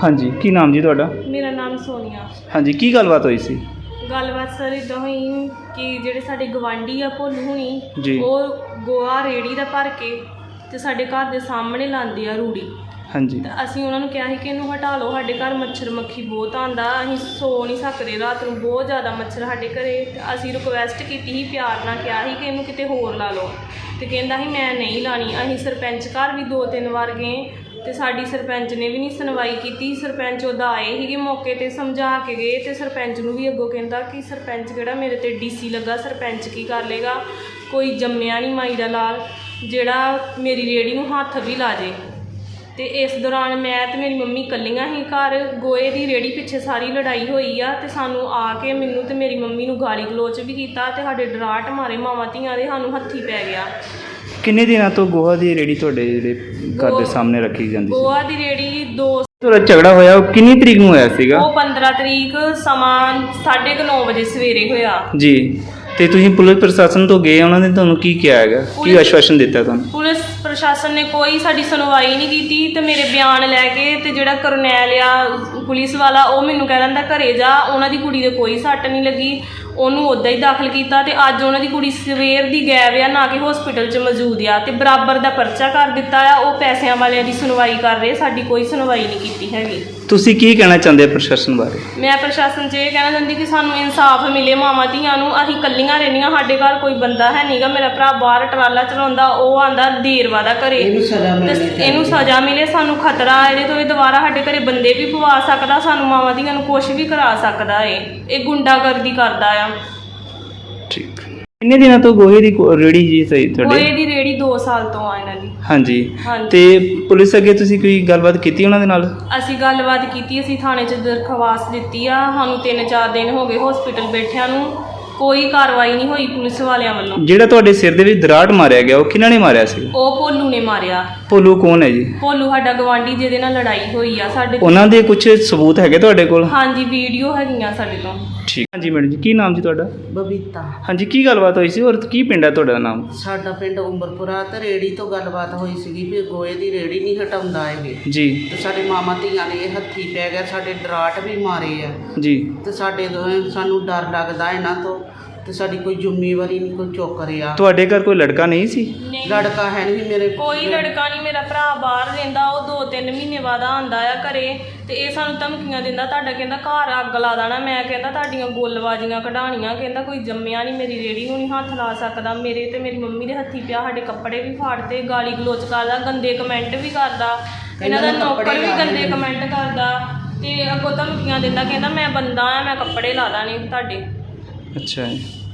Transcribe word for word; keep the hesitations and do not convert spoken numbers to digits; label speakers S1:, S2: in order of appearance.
S1: ਹਾਂਜੀ, ਕੀ ਨਾਮ ਜੀ ਤੁਹਾਡਾ?
S2: ਮੇਰਾ ਨਾਮ ਸੋਨੀਆ।
S1: ਹਾਂਜੀ, ਕੀ ਗੱਲਬਾਤ ਹੋਈ ਸੀ?
S2: ਗੱਲਬਾਤ ਸਰ ਇੱਦਾਂ ਹੋਈ ਕਿ ਜਿਹੜੇ ਸਾਡੇ ਗਵਾਂਢੀ ਆ ਭੋਲੂ ਹੁਣੀ,
S1: ਜੀ।
S2: ਉਹ ਗੋਹਾ ਰੇਹੜੀ ਦਾ ਭਰ ਕੇ ਤੇ ਸਾਡੇ ਘਰ ਦੇ ਸਾਹਮਣੇ ਲਾਉਂਦੇ ਆ ਰੂੜੀ।
S1: ਹਾਂਜੀ।
S2: ਤੇ ਅਸੀਂ ਉਹਨਾਂ ਨੂੰ ਕਿਹਾ ਸੀ ਕਿ ਇਹਨੂੰ ਹਟਾ ਲਓ, ਸਾਡੇ ਘਰ ਮੱਛਰ ਮੱਖੀ ਬਹੁਤ ਆਉਂਦਾ, ਅਸੀਂ ਸੋ ਨਹੀਂ ਸਕਦੇ ਰਾਤ ਨੂੰ, ਬਹੁਤ ਜ਼ਿਆਦਾ ਮੱਛਰ ਸਾਡੇ ਘਰੇ। ਤੇ ਅਸੀਂ ਰਿਕੁਐਸਟ ਕੀਤੀ ਸੀ, ਪਿਆਰ ਨਾਲ ਕਿਹਾ ਸੀ ਕਿ ਇਹਨੂੰ ਕਿਤੇ ਹੋਰ ਲਾ ਲਓ, ਤੇ ਕਹਿੰਦਾ ਸੀ ਮੈਂ ਨਹੀਂ ਲਾਣੀ। ਅਸੀਂ ਸਰਪੰਚ ਘਰ ਵੀ ਦੋ ਤਿੰਨ ਵਾਰ ਗਏ ਤੇ ਸਾਡੀ ਸਰਪੰਚ ਨੇ ਵੀ ਨਹੀਂ ਸੁਣਵਾਈ ਕੀਤੀ। ਸਰਪੰਚ ਉਹਦਾ ਆਏ ਸੀਗੇ ਮੌਕੇ 'ਤੇ, ਸਮਝਾ ਕੇ ਗਏ, ਤੇ ਸਰਪੰਚ ਨੂੰ ਵੀ ਅੱਗੋਂ ਕਹਿੰਦਾ ਕਿ ਸਰਪੰਚ ਕਿਹੜਾ ਮੇਰੇ 'ਤੇ ਡੀ ਸੀ ਲੱਗਾ, ਸਰਪੰਚ ਕੀ ਕਰ ਲੇਗਾ, ਕੋਈ ਜੰਮਿਆ ਨਹੀਂ ਮਾਈ ਦਾ ਲਾਲ ਜਿਹੜਾ ਮੇਰੀ ਰੇਹੜੀ ਨੂੰ ਹੱਥ ਵੀ ਲਾ ਜੇ। ਤੇ ਇਸ ਦੌਰਾਨ ਮੈਂ ਤੇ ਮੇਰੀ ਮੰਮੀ ਇਕੱਲੀਆਂ ਹੀ ਘਰ, ਗੋਹੇ ਦੀ ਰੇਹੜੀ ਪਿੱਛੇ ਸਾਰੀ ਲੜਾਈ ਹੋਈ ਆ। ਤੇ ਸਾਨੂੰ ਆ ਕੇ ਮੈਨੂੰ ਤੇ ਮੇਰੀ ਮੰਮੀ ਨੂੰ ਗਾਲੀ ਗਲੋਚ ਵੀ ਕੀਤਾ ਤੇ ਸਾਡੇ ਡਰਾਟ ਮਾਰੇ ਮਾਵਾਂ ਧੀਆਂ ਦੇ, ਸਾਨੂੰ ਹੱਥੀ ਪੈ ਗਿਆ।
S1: ਕਿੰਨੇ ਦਿਨਾਂ ਤੋਂ ਗੋਹਾ ਦੀ ਰੇਹੜੀ ਤੁਹਾਡੇ ਜਿਹੜੇ ਘਰ ਦੇ ਸਾਹਮਣੇ ਰੱਖੀ ਜਾਂਦੀ ਸੀ?
S2: ਗੋਹਾ ਦੀ ਰੇਹੜੀ ਦੋ
S1: ਤੁਹਾਡਾ ਝਗੜਾ ਹੋਇਆ ਉਹ ਕਿੰਨੀ ਤਰੀਕ ਨੂੰ ਹੋਇਆ ਸੀਗਾ?
S2: ਉਹ ਪੰਦਰਾਂ ਤਰੀਕ, ਸਮਾਂ ਸਾਢੇ ਕੁ ਨੌ ਵਜੇ ਸਵੇਰੇ ਹੋਇਆ
S1: ਜੀ। ਤੇ ਤੁਸੀਂ ਪੁਲਿਸ ਪ੍ਰਸ਼ਾਸਨ ਤੋਂ ਗਏ, ਉਹਨਾਂ ਨੇ ਤੁਹਾਨੂੰ ਕੀ ਕਿਹਾ ਹੈਗਾ, ਕੀ ਆਸ਼ਵਾਸਨ ਦਿੱਤਾ ਤੁਹਾਨੂੰ?
S2: ਪੁਲਿਸ ਪ੍ਰਸ਼ਾਸਨ ਨੇ ਕੋਈ ਸਾਡੀ ਸੁਣਵਾਈ ਨਹੀਂ ਕੀਤੀ। ਤੇ ਮੇਰੇ ਬਿਆਨ ਲੈ ਕੇ ਤੇ ਜਿਹੜਾ ਕਰਨੈਲ ਆ ਪੁਲਿਸ ਵਾਲਾ, ਉਹ ਮੈਨੂੰ ਕਹਿ ਦਿੰਦਾ ਘਰੇ ਜਾ, ਉਹਨਾਂ ਦੀ ਕੁੜੀ ਦੇ ਕੋਈ ਸੱਟ ਨਹੀਂ ਲੱਗੀ, ਉਹਨੂੰ ਉੱਦਾਂ ਹੀ ਦਾਖਲ ਕੀਤਾ। ਤੇ ਅੱਜ ਉਹਨਾਂ ਦੀ ਕੁੜੀ ਸਵੇਰ ਦੀ ਗਾਇਬ ਆ, ਨਾ ਕਿ ਹਸਪੀਟਲ 'ਚ ਮੌਜੂਦ ਆ, ਤੇ ਬਰਾਬਰ ਦਾ ਪਰਚਾ ਕਰ ਦਿੱਤਾ ਆ। ਉਹ ਪੈਸਿਆਂ ਵਾਲਿਆਂ ਦੀ ਸੁਣਵਾਈ ਕਰ ਰਹੇ, ਸਾਡੀ ਕੋਈ ਸੁਣਵਾਈ ਨਹੀਂ ਕੀਤੀ ਹੈਗੀ।
S1: ਤੁਸੀਂ ਕੀ ਕਹਿਣਾ ਚਾਹੁੰਦੇ ਹੋ ਪ੍ਰਸ਼ਾਸਨ ਬਾਰੇ?
S2: ਮੈਂ ਪ੍ਰਸ਼ਾਸਨ 'ਚ ਇਹ ਕਹਿਣਾ ਚਾਹੁੰਦੀ ਕਿ ਸਾਨੂੰ ਇਨਸਾਫ ਮਿਲੇ ਮਾਵਾਂ ਧੀਆਂ ਨੂੰ। ਅਸੀਂ ਇਕੱਲੀਆਂ ਰਹਿੰਦੀਆਂ, ਸਾਡੇ ਘਰ ਕੋਈ ਬੰਦਾ ਹੈ ਨਹੀਂਗਾ। ਮੇਰਾ ਭਰਾ ਬਾਹਰ ਟਰਾਲਾ ਚਲਾਉਂਦਾ, ਉਹ ਆਉਂਦਾ ਦੇਰਵਾ ਦਾ ਘਰੇ, ਇਹਨੂੰ ਸਜ਼ਾ ਮਿਲੇ। ਸਾਨੂੰ ਖਤਰਾ ਇਹਦੇ ਤੋਂ, ਇਹ ਦੁਬਾਰਾ ਸਾਡੇ ਘਰੇ ਬੰਦੇ ਵੀ ਪਵਾ ਸਕਦਾ, ਸਾਨੂੰ ਮਾਵਾਂ ਧੀਆਂ ਨੂੰ ਕੁਛ ਵੀ ਕਰਾ ਸਕਦਾ ਏ। ਇਹ ਗੁੰਡਾਗਰਦੀ ਕਰਦਾ ਆ।
S1: ਠੀਕ। ਕਿੰਨੇ ਦਿਨਾਂ ਤੋਂ ਗੋਹੇ ਦੀ ਰੇਹੜੀ ਜੀ ਸਹੀ ਤੁਹਾਡੀ?
S2: ਗੋਹੇ ਦੀ ਰੇਹੜੀ ਦੋ ਸਾਲ ਤੋਂ ਆ ਇਹਨਾਂ ਦੀ।
S1: ਹਾਂਜੀ।
S2: ਹਾਂਜੀ।
S1: ਤੇ ਪੁਲਿਸ ਅੱਗੇ ਤੁਸੀਂ ਕੋਈ ਗੱਲਬਾਤ ਕੀਤੀ ਉਹਨਾਂ ਦੇ ਨਾਲ?
S2: ਅਸੀਂ ਗੱਲਬਾਤ ਕੀਤੀ, ਅਸੀਂ ਥਾਣੇ 'ਚ ਦਰਖਾਸਤ ਦਿੱਤੀ ਆ। ਸਾਨੂੰ ਤਿੰਨ ਚਾਰ ਦਿਨ ਹੋ ਗਏ ਹਸਪੀਟਲ ਬੈਠਿਆਂ ਨੂੰ, ਕੋਈ ਕਾਰਵਾਈ ਨਹੀਂ ਹੋਈ ਪੁਲਿਸ ਵਾਲਿਆਂ ਵੱਲੋਂ। ਜਿਹੜਾ
S1: ਤੁਹਾਡੇ ਸਿਰ ਦੇ ਵਿੱਚ ਦਰਾੜ ਮਾਰਿਆ ਗਿਆ, ਉਹ ਕਿਹਨਾਂ ਨੇ ਮਾਰਿਆ ਸੀ?
S2: ਉਹ ਭੋਲੂ ਨੇ ਮਾਰਿਆ।
S1: ਭੋਲੂ ਕੌਣ ਹੈ ਜੀ?
S2: ਭੋਲੂ ਸਾਡਾ ਗਵਾਂਢੀ, ਜਿਹਦੇ ਨਾਲ ਲੜਾਈ ਹੋਈ ਆ ਸਾਡੇ।
S1: ਉਹਨਾਂ ਦੇ ਕੁਝ ਸਬੂਤ ਹੈਗੇ ਤੁਹਾਡੇ ਕੋਲ?
S2: ਹਾਂਜੀ, ਵੀਡੀਓ ਹੈਗੀਆਂ ਸਾਡੇ ਤੋਂ।
S1: ਠੀਕ। ਹਾਂਜੀ ਮੈਡਮ ਜੀ, ਕੀ ਨਾਮ ਜੀ ਤੁਹਾਡਾ?
S3: ਬਬੀਤਾ।
S1: ਹਾਂਜੀ, ਕੀ ਗੱਲਬਾਤ ਹੋਈ ਸੀ ਔਰ ਕੀ ਪਿੰਡ ਹੈ ਤੁਹਾਡਾ ਨਾਮ?
S3: ਸਾਡਾ ਪਿੰਡ ਉਮਰਪੁਰਾ। ਤੇ ਰੇੜੀ ਤੋਂ ਗੱਲਬਾਤ ਹੋਈ ਸੀਗੀ ਵੀ ਗੋਹੇ ਦੀ ਰੇੜੀ ਨਹੀਂ ਹਟਾਉਂਦਾ ਇਹ
S1: ਜੀ।
S3: ਤੇ ਸਾਡੇ ਮਾਮਾ ਧੀਆਂ ਨੇ ਇਹ ਹੱਥੀ ਪੈ ਗਿਆ, ਸਾਡੇ ਡਰਾਟ ਵੀ ਮਾਰੇ ਆ
S1: ਜੀ।
S3: ਤੇ ਸਾਡੇ ਦੋਵੇਂ ਸਾਨੂੰ ਡਰ ਲੱਗਦਾ ਇਹਨਾਂ ਤੋਂ, ਤੇ ਸਾਡੀ ਕੋਈ ਜ਼ਿੰਮੇਵਾਰੀ ਨਹੀਂ ਕੋਈ ਚੁੱਕ ਰਿਹਾ।
S1: ਤੁਹਾਡੇ ਘਰ ਕੋਈ ਲੜਕਾ ਨਹੀਂ ਸੀ?
S3: ਲੜਕਾ ਹੈ ਨਹੀਂ ਮੇਰੇ,
S2: ਕੋਈ ਲੜਕਾ ਨਹੀਂ। ਮੇਰਾ ਭਰਾ ਬਾਹਰ ਰਹਿੰਦਾ, ਉਹ ਦੋ ਤਿੰਨ ਮਹੀਨੇ ਬਾਅਦ ਆਉਂਦਾ ਆ ਘਰੇ। ਤੇ ਇਹ ਸਾਨੂੰ ਧਮਕੀਆਂ ਦਿੰਦਾ, ਤੁਹਾਡਾ ਕਹਿੰਦਾ ਘਰ ਅੱਗ ਲਾ ਦੇਣਾ। ਮੈਂ ਕਹਿੰਦਾ ਤੁਹਾਡੀਆਂ ਗੋਲਬਾਜ਼ੀਆਂ ਕਢਾਣੀਆਂ, ਕਹਿੰਦਾ ਕੋਈ ਜੰਮਿਆ ਨਹੀਂ ਮੇਰੀ ਰੇੜੀ ਨੂੰ ਨਹੀਂ ਹੱਥ ਲਾ ਸਕਦਾ। ਮੇਰੇ ਤੇ ਮੇਰੀ ਮੰਮੀ ਦੇ ਹੱਥੀ ਪਿਆ, ਸਾਡੇ ਕੱਪੜੇ ਵੀ ਫਾੜਦੇ, ਗਾਲੀ ਗਲੋਚ ਕਰਦਾ, ਗੰਦੇ ਕਮੈਂਟ ਵੀ ਕਰਦਾ। ਇਹਨਾਂ ਦਾ ਨੌਕਰ ਵੀ ਗੰਦੇ ਕਮੈਂਟ ਕਰਦਾ, ਤੇ ਅੱਗੋਂ ਧਮਕੀਆਂ ਦਿੰਦਾ, ਕਹਿੰਦਾ ਮੈਂ ਬੰਦਾ ਆ, ਮੈਂ ਕੱਪੜੇ ਲਾ ਦਾਣੇ ਤੁਹਾਡੇ।
S1: ਅੱਛਾ।